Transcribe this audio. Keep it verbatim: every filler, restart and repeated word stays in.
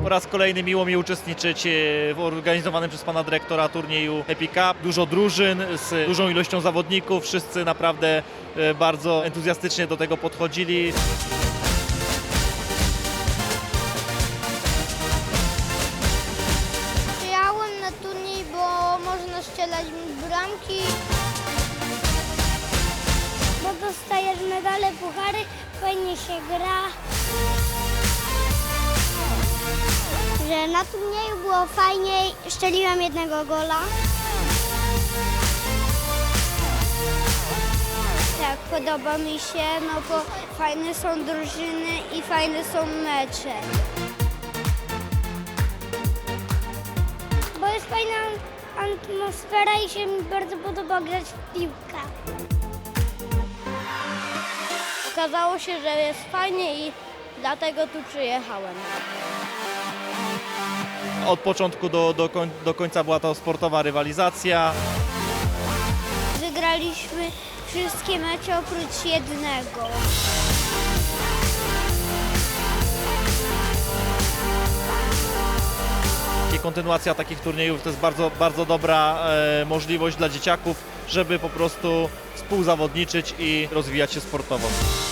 Po raz kolejny miło mi uczestniczyć w organizowanym przez pana dyrektora turnieju Happy Cup. Dużo drużyn z dużą ilością zawodników, wszyscy naprawdę bardzo entuzjastycznie do tego podchodzili. Przyjechałem na turniej, bo można strzelać bramki. Bo dostajesz medale, puchary, fajnie się gra. Że na turnieju było fajniej, strzeliłem jednego gola. Tak, podoba mi się, no bo fajne są drużyny i fajne są mecze. Bo jest fajna atmosfera i się mi bardzo podoba grać w piłkę. Okazało się, że jest fajnie i dlatego tu przyjechałem. Od początku do, do, koń, do końca była to sportowa rywalizacja. Wygraliśmy wszystkie mecze oprócz jednego. I kontynuacja takich turniejów to jest bardzo, bardzo dobra e, możliwość dla dzieciaków, żeby po prostu współzawodniczyć i rozwijać się sportowo.